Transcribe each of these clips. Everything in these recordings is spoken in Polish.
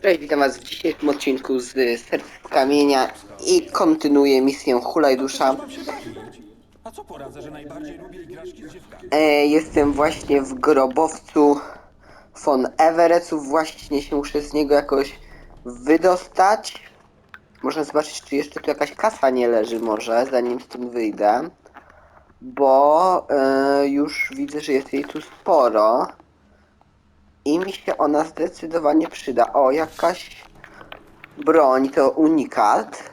Cześć, witam was w dzisiejszym odcinku z Serc Kamienia i kontynuuję misję Hulaj No przecież Dusza. mam się bawić. A co poradzę, że najbardziej lubię igraszki z dziewkami? Jestem właśnie w grobowcu von Everettów, właśnie się muszę z niego jakoś wydostać. Można zobaczyć, czy jeszcze tu jakaś kasa nie leży może, zanim stąd wyjdę. Bo już widzę, że jest jej tu sporo. I mi się ona zdecydowanie przyda. O, jakaś broń, to unikat.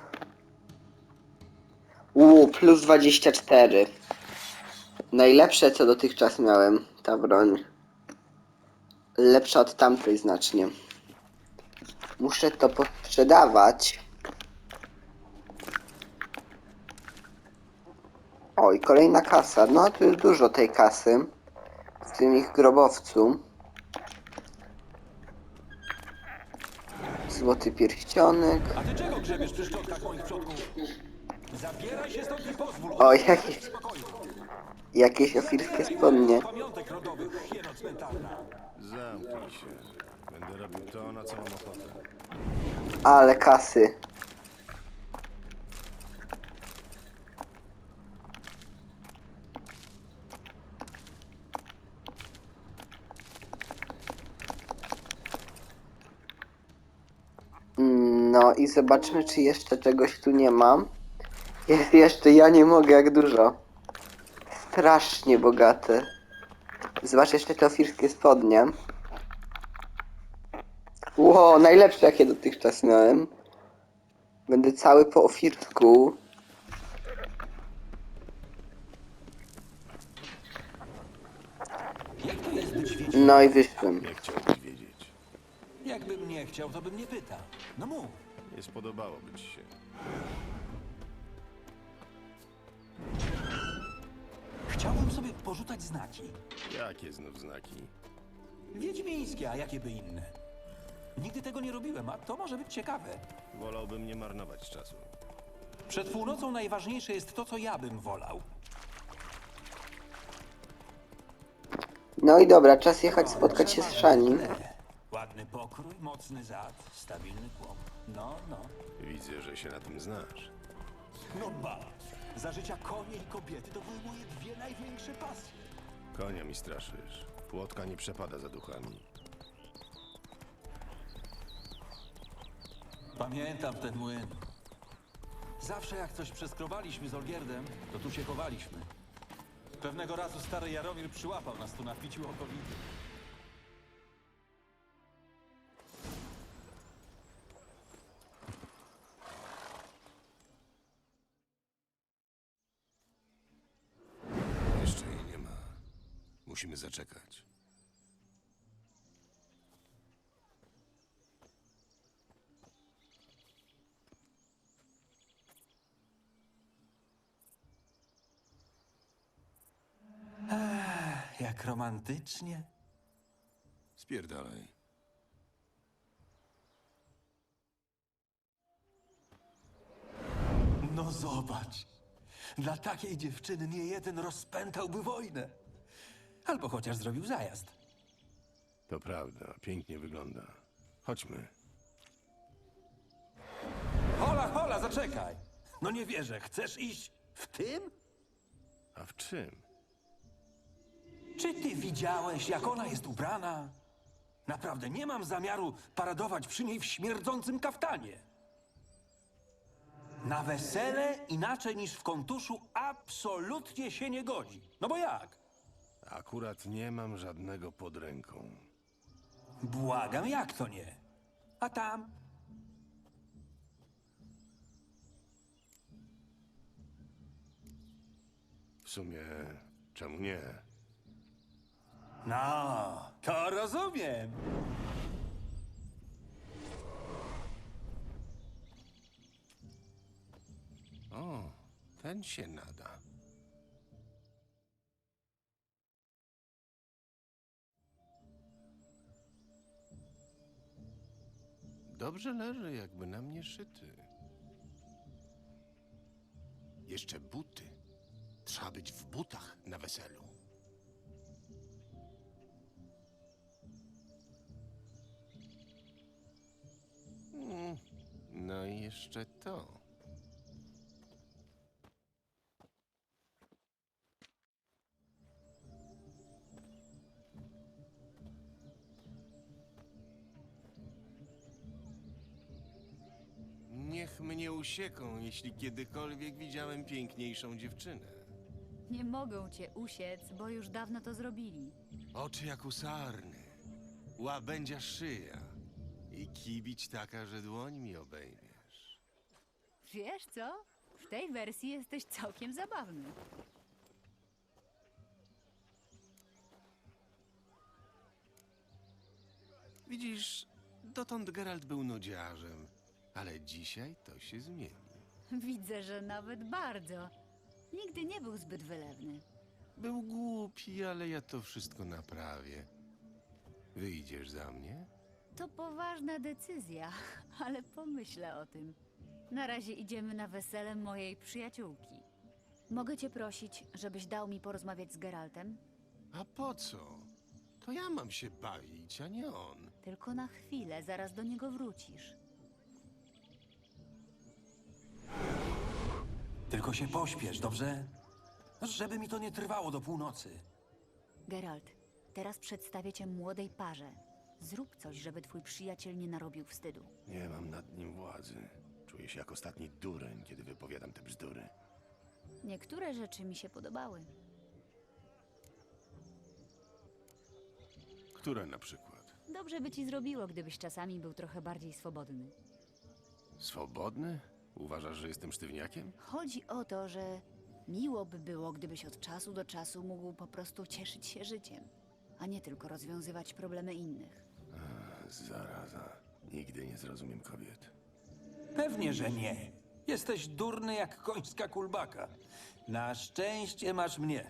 Plus 24. Najlepsze co dotychczas miałem, ta broń. Lepsza od tamtej znacznie. Muszę to posprzedawać. Oj, kolejna kasa. No tu jest dużo tej kasy. W tym ich grobowcu. Złoty pierścionek. A ty czego grzebiesz przy szczątkach moich przodków? Zabieraj się stąd i pozwól Oj, ojcu umrzeć w spokoju. jakieś ofirskie Zabieraj moje spodnie. z pamiątek rodowych, hieno cmentarna. Zamknij się. Będę robił to, na co mam ochotę. Ale kasy. No i zobaczmy, czy jeszcze czegoś tu nie mam. Jest jeszcze, ja nie mogę, jak dużo. Strasznie bogate. Zobacz jeszcze te ofirskie spodnie. Ło, najlepsze jakie dotychczas miałem. Będę cały po ofirsku. Jak to jest być No i wiedźminem? wyszłem. Nie chciałbyś wiedzieć. Jakbym nie chciał, to bym nie pytał. No mów. Nie spodobałoby ci się. Chciałbym sobie porzucać znaki. Jakie znów znaki? Wiedźmińskie, a jakie by inne? Nigdy tego nie robiłem, a to może być ciekawe. Wolałbym nie marnować czasu. Przed północą najważniejsze jest to, co ja bym wolał. No i dobra, czas jechać spotkać się z Szanim. Ładny pokrój, mocny zad, stabilny kłop. No, no. Widzę, że się na tym znasz. No ba! Za życia konie i kobiety to były moje dwie największe pasje. Konia mi straszysz. Płotka nie przepada za duchami. Pamiętam ten młyn. Zawsze jak coś przeskrobaliśmy z Olgierdem, to tu się chowaliśmy. Pewnego razu stary Jaromir przyłapał nas tu na piciu okowity. Jeszcze jej nie ma. Musimy zaczekać. Jak romantycznie. Spierdalaj. No zobacz. Dla takiej dziewczyny nie jeden rozpętałby wojnę. Albo chociaż zrobił zajazd. To prawda, pięknie wygląda. Chodźmy. Hola, hola, zaczekaj! No nie wierzę, chcesz iść w tym? A w czym? Czy ty widziałeś, jak ona jest ubrana? Naprawdę nie mam zamiaru paradować przy niej w śmierdzącym kaftanie. Na wesele inaczej niż w kontuszu absolutnie się nie godzi. No bo jak? Akurat nie mam żadnego pod ręką. Błagam, jak to nie? A tam? W sumie, czemu nie? No, to rozumiem. O, ten się nada. Dobrze leży, jakby na mnie szyty. Jeszcze buty. Trzeba być w butach na weselu. jeszcze to. Niech mnie usieką, jeśli kiedykolwiek widziałem piękniejszą dziewczynę. Nie mogą cię usiec, bo już dawno to zrobili. Oczy jak u sarny, łabędzia szyja i kibić taka, że dłoń mi obejmiesz. Wiesz co? W tej wersji jesteś całkiem zabawny. Widzisz, dotąd Geralt był nudziarzem, ale dzisiaj to się zmieni. Widzę, że nawet bardzo. Nigdy nie był zbyt wylewny. Był głupi, ale ja to wszystko naprawię. Wyjdziesz za mnie? To poważna decyzja, ale pomyślę o tym. Na razie idziemy na wesele mojej przyjaciółki. Mogę cię prosić, żebyś dał mi porozmawiać z Geraltem? A po co? To ja mam się bawić, a nie on. Tylko na chwilę, zaraz do niego wrócisz. Tylko się pośpiesz, dobrze? Żeby mi to nie trwało do północy. Geralt, teraz przedstawię cię młodej parze. Zrób coś, żeby twój przyjaciel nie narobił wstydu. Nie mam nad nim władzy. Czuję się jak ostatni dureń, kiedy wypowiadam te bzdury. Niektóre rzeczy mi się podobały. Które na przykład? Dobrze by ci zrobiło, gdybyś czasami był trochę bardziej swobodny. Swobodny? Uważasz, że jestem sztywniakiem? Chodzi o to, że miło by było, gdybyś od czasu do czasu mógł po prostu cieszyć się życiem, a nie tylko rozwiązywać problemy innych. Zaraza. Nigdy nie zrozumiem kobiet. Pewnie, że nie. Jesteś durny jak końska kulbaka. Na szczęście masz mnie.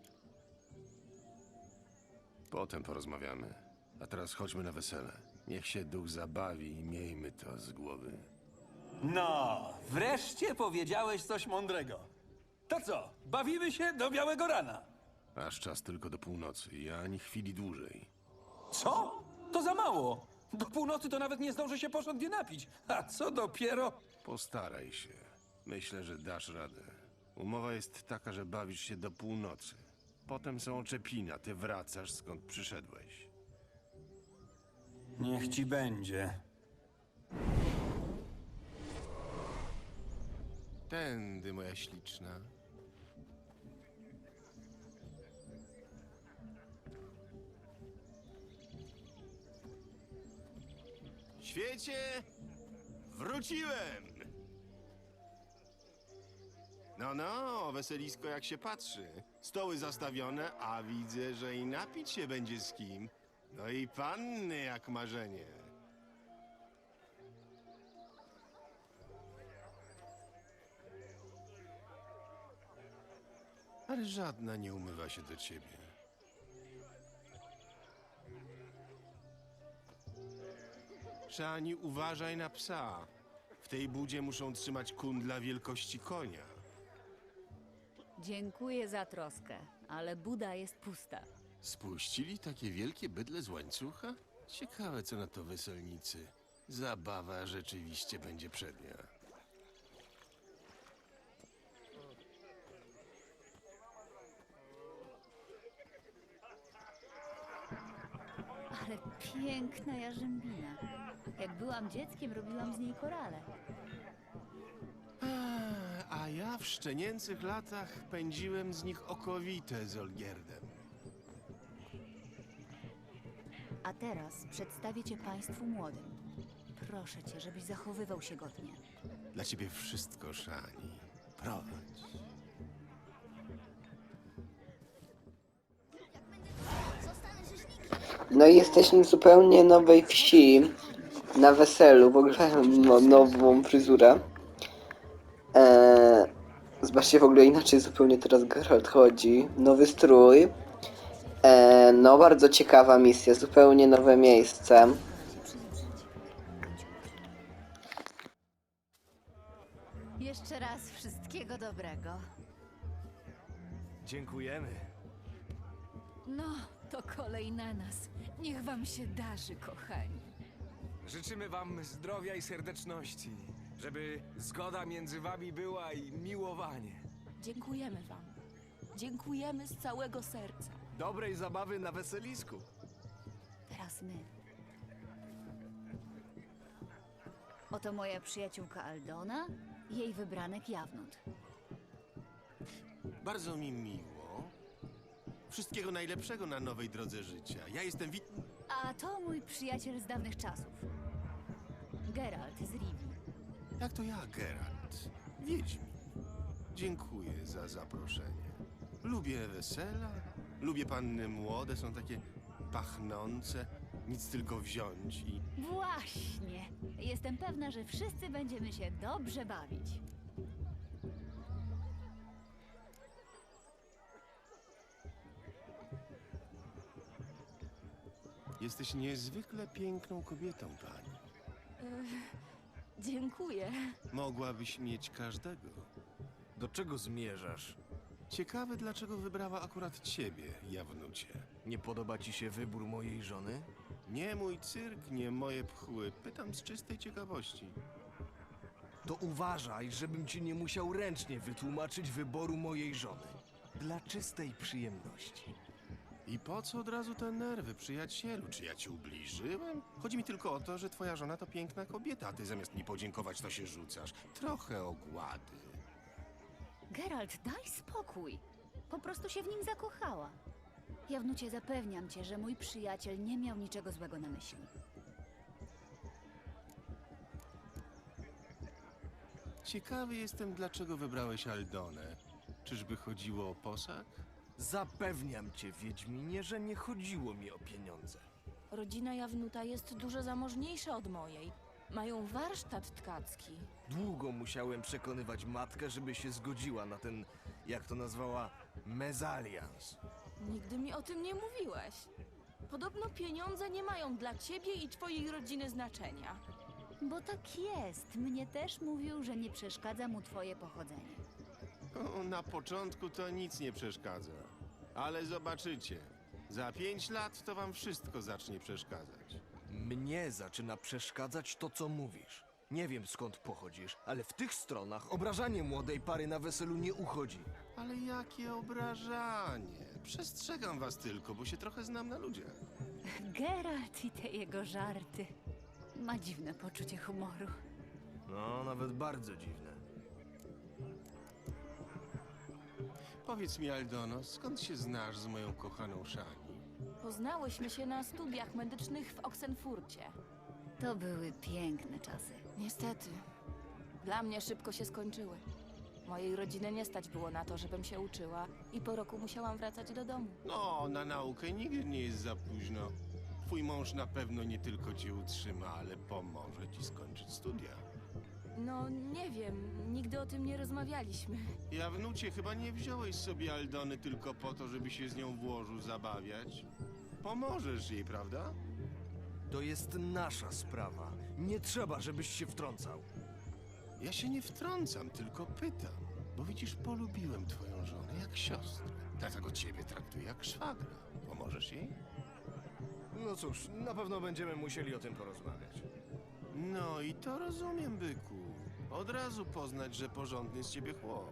Potem porozmawiamy. A teraz chodźmy na wesele. Niech się duch zabawi i miejmy to z głowy. No, wreszcie powiedziałeś coś mądrego. To co, bawimy się do białego rana? Aż czas tylko do północy i ani chwili dłużej. Co? To za mało. Do północy to nawet nie zdąży się porządnie napić. A co dopiero... Postaraj się. Myślę, że dasz radę. Umowa jest taka, że bawisz się do północy. Potem są oczepina, ty wracasz skąd przyszedłeś. Niech ci będzie. Tędy, moja śliczna. Świecie! Wróciłem! No, weselisko jak się patrzy. Stoły zastawione, a widzę, że i napić się będzie z kim. No i panny jak marzenie. Ale żadna nie umywa się do ciebie. Szani, uważaj na psa. W tej budzie muszą trzymać kundla wielkości konia. Dziękuję za troskę, ale Buda jest pusta. Spuścili takie wielkie bydle z łańcucha? Ciekawe, co na to weselnicy. Zabawa rzeczywiście będzie przednia. Ale piękna jarzębina. Jak byłam dzieckiem, robiłam z niej korale. A ja w szczenięcych latach pędziłem z nich okowite z Olgierdem. A teraz przedstawię cię państwu młodym. Proszę cię, żebyś zachowywał się godnie. Dla ciebie wszystko, Szani. Prowadź. No i jesteśmy w zupełnie nowej wsi. Na weselu, w ogóle nową fryzurę. Zobaczcie, w ogóle inaczej zupełnie teraz Geralt chodzi. Nowy strój. No bardzo ciekawa misja, zupełnie nowe miejsce. Jeszcze raz wszystkiego dobrego. Dziękujemy. No, to kolej na nas. Niech wam się darzy, kochani. Życzymy wam zdrowia i serdeczności. Żeby zgoda między wami była i miłowanie. Dziękujemy wam. Dziękujemy z całego serca. Dobrej zabawy na weselisku. Teraz my. Oto moja przyjaciółka Aldona, jej wybranek Jawnut. Bardzo mi miło. Wszystkiego najlepszego na nowej drodze życia. Ja jestem A to mój przyjaciel z dawnych czasów. Geralt z Rivii. Jak to ja, Geralt? Wiedźmin. Dziękuję za zaproszenie. Lubię wesela, lubię panny młode, są takie pachnące. Nic tylko wziąć i... Właśnie. Jestem pewna, że wszyscy będziemy się dobrze bawić. Jesteś niezwykle piękną kobietą, pani. Dziękuję. Mogłabyś mieć każdego. Do czego zmierzasz? Ciekawe, dlaczego wybrała akurat ciebie, Jawnucie. Nie podoba ci się wybór mojej żony? Nie mój cyrk, nie moje pchły. Pytam z czystej ciekawości. To uważaj, żebym ci nie musiał ręcznie wytłumaczyć wyboru mojej żony. Dla czystej przyjemności. I po co od razu te nerwy, przyjacielu? Czy ja ci ubliżyłem? Chodzi mi tylko o to, że twoja żona to piękna kobieta, a ty zamiast mi podziękować, to się rzucasz. Trochę ogłady. Geralt, daj spokój. Po prostu się w nim zakochała. Jawnucie, zapewniam cię, że mój przyjaciel nie miał niczego złego na myśli. Ciekawy jestem, dlaczego wybrałeś Aldonę. Czyżby chodziło o posag? Zapewniam cię, Wiedźminie, że nie chodziło mi o pieniądze. Rodzina Jawnuta jest dużo zamożniejsza od mojej. Mają warsztat tkacki. Długo musiałem przekonywać matkę, żeby się zgodziła na ten, jak to nazwała, mezalians. Nigdy mi o tym nie mówiłeś. Podobno pieniądze nie mają dla ciebie i twojej rodziny znaczenia. Bo tak jest. Mnie też mówił, że nie przeszkadza mu twoje pochodzenie. O, na początku to nic nie przeszkadza. Ale zobaczycie. Za 5 lat to wam wszystko zacznie przeszkadzać. Mnie zaczyna przeszkadzać to, co mówisz. Nie wiem, skąd pochodzisz, ale w tych stronach obrażanie młodej pary na weselu nie uchodzi. Ale jakie obrażanie. Przestrzegam was tylko, bo się trochę znam na ludziach. Geralt i te jego żarty. Ma dziwne poczucie humoru. No, nawet bardzo dziwne. Powiedz mi, Aldono, skąd się znasz z moją kochaną Szani? Poznałyśmy się na studiach medycznych w Oxenfurcie. To były piękne czasy. Niestety, dla mnie szybko się skończyły. Mojej rodziny nie stać było na to, żebym się uczyła i po roku musiałam wracać do domu. No, na naukę nigdy nie jest za późno. Twój mąż na pewno nie tylko cię utrzyma, ale pomoże ci skończyć studia. No, nie wiem, nigdy o tym nie rozmawialiśmy. Jawnucie, chyba nie wziąłeś sobie Aldony tylko po to, żeby się z nią w łożu zabawiać. Pomożesz jej, prawda? To jest nasza sprawa. Nie trzeba, żebyś się wtrącał. Ja się nie wtrącam, tylko pytam. Bo widzisz, polubiłem twoją żonę jak siostrę. Dlatego ciebie traktuję jak szwagra. Pomożesz jej? No cóż, na pewno będziemy musieli o tym porozmawiać. No i to rozumiem, byku. Od razu poznać, że porządny z ciebie chłop.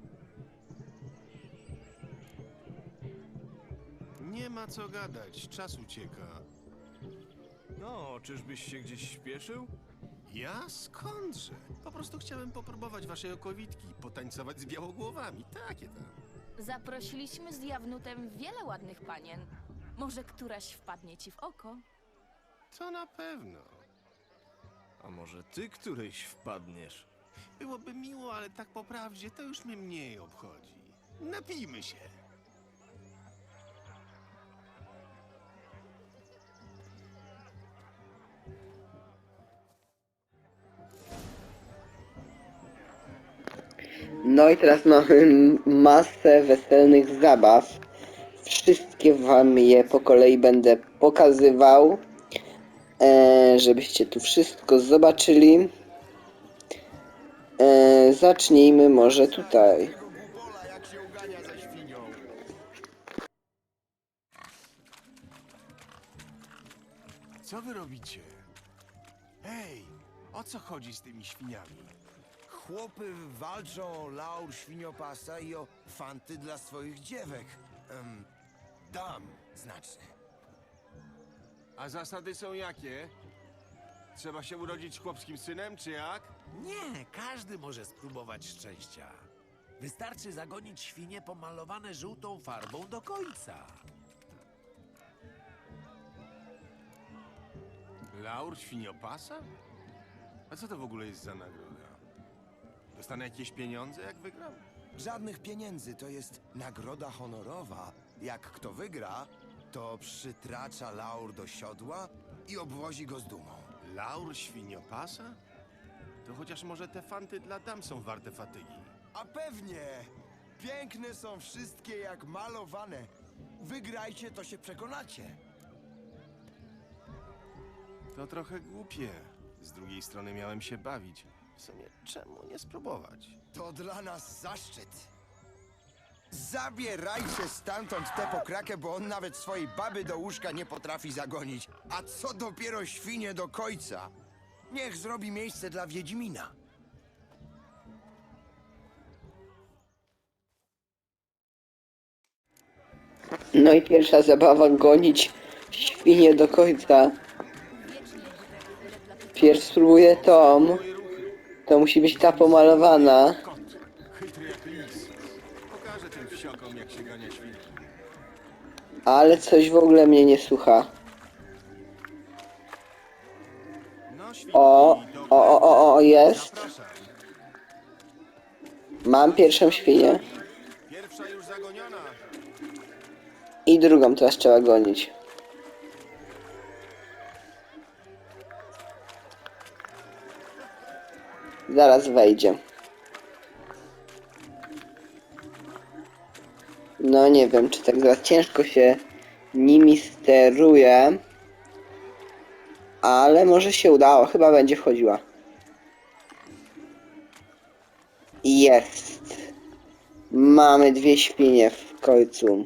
Nie ma co gadać, czas ucieka. No, czyżbyś się gdzieś śpieszył? Ja skądże? Po prostu chciałem popróbować waszej okowitki, potańcować z białogłowami, takie tam. Zaprosiliśmy z Jawnutem wiele ładnych panien. Może któraś wpadnie ci w oko? To na pewno. A może ty któryś wpadniesz? Byłoby miło, ale tak po prawdzie to już mnie mniej obchodzi. Napijmy się. No i teraz mamy masę weselnych zabaw. Wszystkie wam je po kolei będę pokazywał, żebyście tu wszystko zobaczyli. Zacznijmy może tutaj. Co wy robicie? Hej, O co chodzi z tymi świniami? Chłopy walczą o laur świniopasa i o fanty dla swoich dziewek. Dam, znaczy. A zasady są jakie? Trzeba się urodzić chłopskim synem, czy jak? Nie, każdy może spróbować szczęścia. Wystarczy zagonić świnie pomalowane żółtą farbą do końca. Laur świniopasa? A co to w ogóle jest za nagroda? Dostanę jakieś pieniądze, jak wygram? Żadnych pieniędzy, to jest nagroda honorowa. Jak kto wygra, to przytracza laur do siodła i obwozi go z dumą. Laur świniopasa? To chociaż może te fanty dla dam są warte fatygi. A pewnie! Piękne są wszystkie jak malowane. Wygrajcie, to się przekonacie. To trochę głupie. Z drugiej strony miałem się bawić. W sumie czemu nie spróbować? To dla nas zaszczyt. Zabierajcie stamtąd tę pokrakę, bo on nawet swojej baby do łóżka nie potrafi zagonić. A co dopiero świnie do końca? Niech zrobi miejsce dla Wiedźmina. No i pierwsza zabawa, gonić świnie do końca. Pierw spróbuję tą. To musi być ta pomalowana. Kot, chytry jak lis. Pokażę tym wsiokom, jak się gania świnie. Ale coś w ogóle mnie nie słucha. No, świnki, Jest. Zapraszam. Mam pierwszą świnię. Pierwsza już zagoniona. I drugą teraz trzeba gonić. Zaraz wejdzie. No nie wiem, czy tak za ciężko się nimi steruje. Ale może się udało, chyba będzie wchodziła. Jest. Mamy 2 świnie w końcu.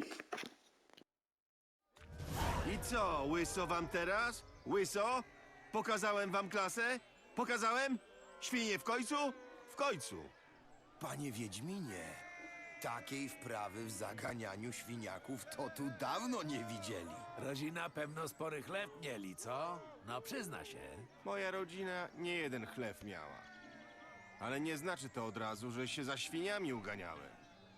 I co, łyso wam teraz? Łyso? Pokazałem wam klasę? Pokazałem? Świnie w końcu? W końcu. Panie Wiedźminie, takiej wprawy w zaganianiu świniaków to tu dawno nie widzieli. Rodzina pewno spory chleb mieli, co? No przyzna się. Moja rodzina nie jeden chleb miała. Ale nie znaczy to od razu, że się za świniami uganiałem.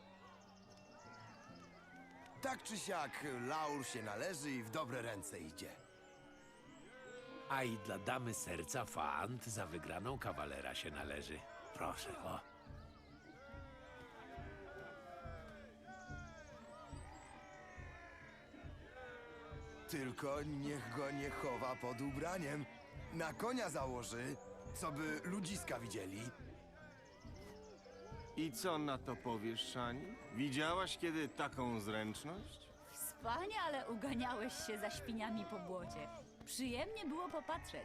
Tak czy siak, laur się należy i w dobre ręce idzie. A i dla damy serca fant za wygraną kawalera się należy. Proszę, o. Tylko niech go nie chowa pod ubraniem. Na konia założy, co by ludziska widzieli. I co na to powiesz, Szani? Widziałaś kiedy taką zręczność? Wspaniale uganiałeś się za świniami po błocie. Przyjemnie było popatrzeć.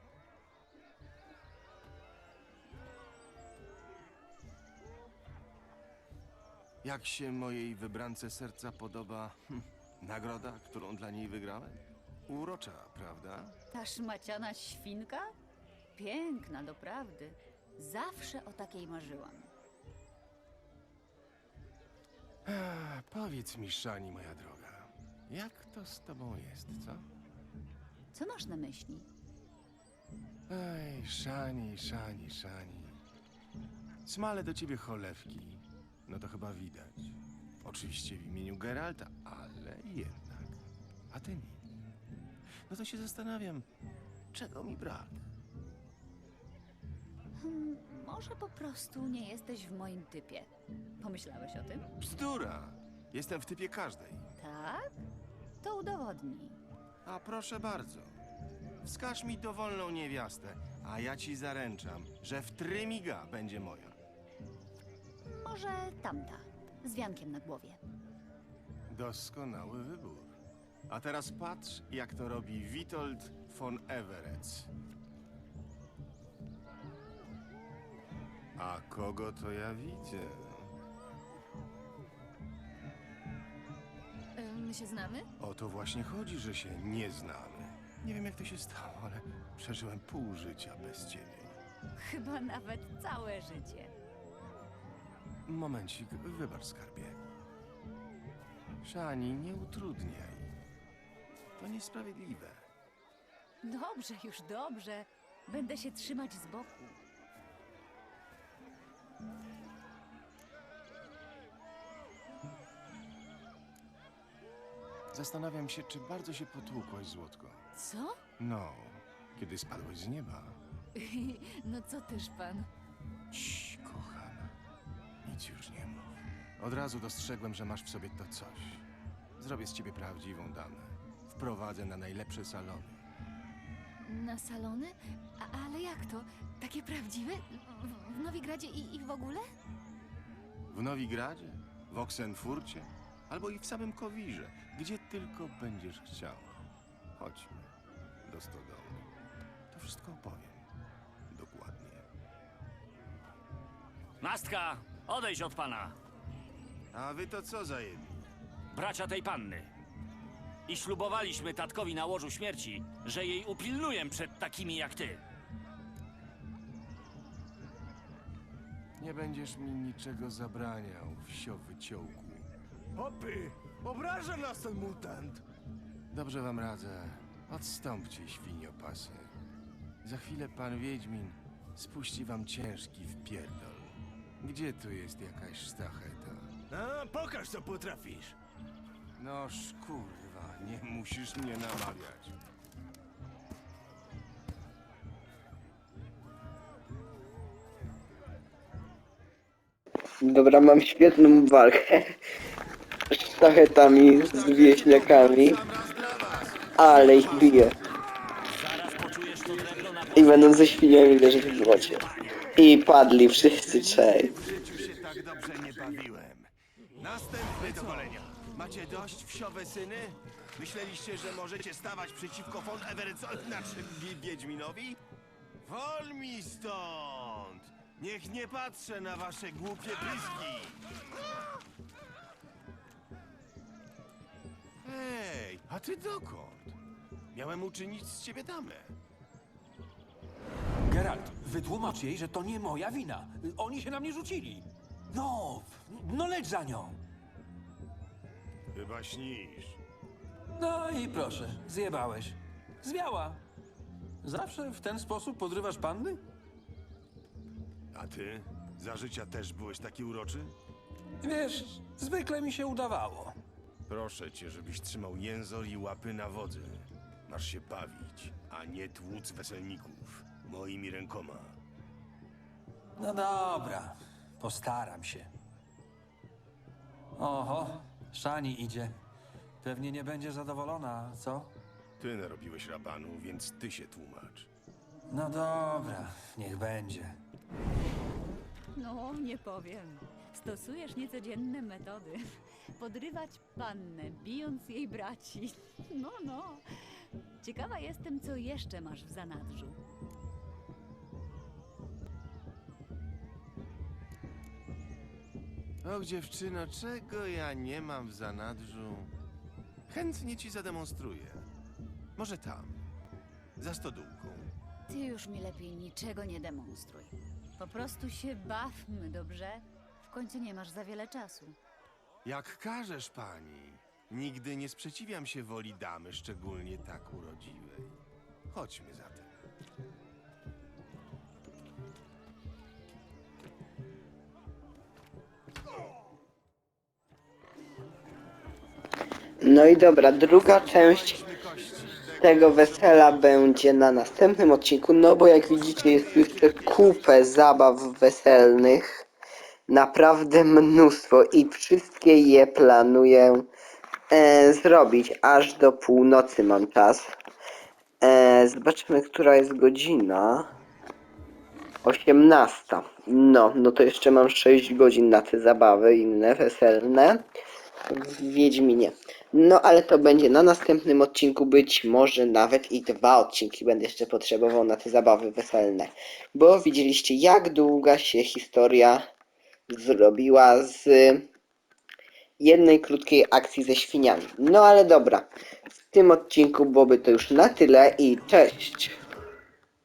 Jak się mojej wybrance serca podoba nagroda, którą dla niej wygrałem? Urocza, prawda? Ta szmaciana świnka? Piękna, doprawdy. Zawsze o takiej marzyłam. Powiedz mi, Szani, moja droga, jak to z tobą jest, co? Co masz na myśli? Ej, Szani, Szani, Szani. Smale do ciebie cholewki. No to chyba widać. Oczywiście w imieniu Geralta, ale jednak. A ty nic. No to się zastanawiam, czego mi brak? Może po prostu nie jesteś w moim typie. Pomyślałeś o tym? Bzdura! Jestem w typie każdej. Tak? To udowodnij. A proszę bardzo. Wskaż mi dowolną niewiastę, a ja ci zaręczam, że w trymiga będzie moja. Może tamta, z wiankiem na głowie. Doskonały wybór. A teraz patrz, jak to robi Witold von Everec. A kogo to ja widzę? My się znamy? O to właśnie chodzi, że się nie znamy. Nie wiem, jak to się stało, ale przeżyłem pół życia bez ciebie. chyba nawet całe życie. Momencik, wybacz, skarbie. Szani, nie utrudniaj. To niesprawiedliwe. Dobrze, już dobrze. Będę się trzymać z boku. Zastanawiam się, czy bardzo się potłukłaś, Złotko. Co? No, kiedy spadłeś z nieba. No co też pan? Cii, kochana. Nic już nie mów. Od razu dostrzegłem, że masz w sobie to coś. Zrobię z ciebie prawdziwą damę. Wprowadzę na najlepsze salony. Na salony? Ale jak to? Takie prawdziwe? W Nowigradzie i w ogóle? W Nowigradzie, w Oksenfurcie, albo i w samym Kowirze, gdzie tylko będziesz chciała. Chodźmy do stodoły. To wszystko opowiem. Dokładnie. Nastka, odejdź od pana. A wy to co za jedni? Bracia tej panny. I ślubowaliśmy tatkowi na łożu śmierci, że jej upilnuję przed takimi jak ty. Nie będziesz mi niczego zabraniał, wsio wyciołku. Hopy! Obraża nas ten mutant! Dobrze wam radzę. Odstąpcie, świniopasy. Za chwilę pan Wiedźmin spuści wam ciężki wpierdol. Gdzie tu jest jakaś sztacheta? A, pokaż co potrafisz! Noż kurwa, nie musisz mnie namawiać. Dobra, mam świetną walkę z sztachetami, z wieśniakami, ale ich biję. I będą ze świniami leżeć w błocie. I padli wszyscy trzej. W życiu się tak dobrze nie bawiłem. Następny do golenia. Macie dość, wsiowe syny? Myśleliście, że możecie stawać przeciwko von Everetsowi, znaczy Wiedźminowi? Wol mi stąd! Niech nie patrzę na wasze głupie pyski! Hej, a ty dokąd? Miałem uczynić z ciebie damę. Geralt, wytłumacz jej, że to nie moja wina. Oni się na mnie rzucili. No leć za nią. Chyba śnisz. No i proszę, zjebałeś. Zwiała. Zawsze w ten sposób podrywasz panny? A ty? Za życia też byłeś taki uroczy? Wiesz, zwykle mi się udawało. Proszę cię, żebyś trzymał jęzor i łapy na wodzy. Masz się bawić, a nie tłuc weselników moimi rękoma. No dobra, postaram się. Oho, Szani idzie. Pewnie nie będzie zadowolona, co? Ty narobiłeś rabanu, więc ty się tłumacz. No dobra, niech będzie. No, nie powiem. Stosujesz niecodzienne metody. Podrywać pannę, bijąc jej braci. No. Ciekawa jestem, co jeszcze masz w zanadrzu. Och, dziewczyno, czego ja nie mam w zanadrzu? Chętnie ci zademonstruję. Może tam, za stodółką. Ty już mi lepiej niczego nie demonstruj. Po prostu się bawmy, dobrze? W końcu nie masz za wiele czasu. Jak każesz, pani. Nigdy nie sprzeciwiam się woli damy, szczególnie tak urodziwej. Chodźmy zatem. No i dobra, druga część tego wesela będzie na następnym odcinku, no bo jak widzicie jest jeszcze kupę zabaw weselnych. Naprawdę mnóstwo i wszystkie je planuję zrobić, aż do północy mam czas. Zobaczmy, która jest godzina. 18. No to jeszcze mam 6 godzin na te zabawy inne, weselne w Wiedźminie. No ale to będzie na następnym odcinku, być może nawet i 2 odcinki będę jeszcze potrzebował na te zabawy weselne. Bo widzieliście, jak długa się historia zrobiła z jednej krótkiej akcji ze świniami. No ale dobra, w tym odcinku byłoby to już na tyle i cześć!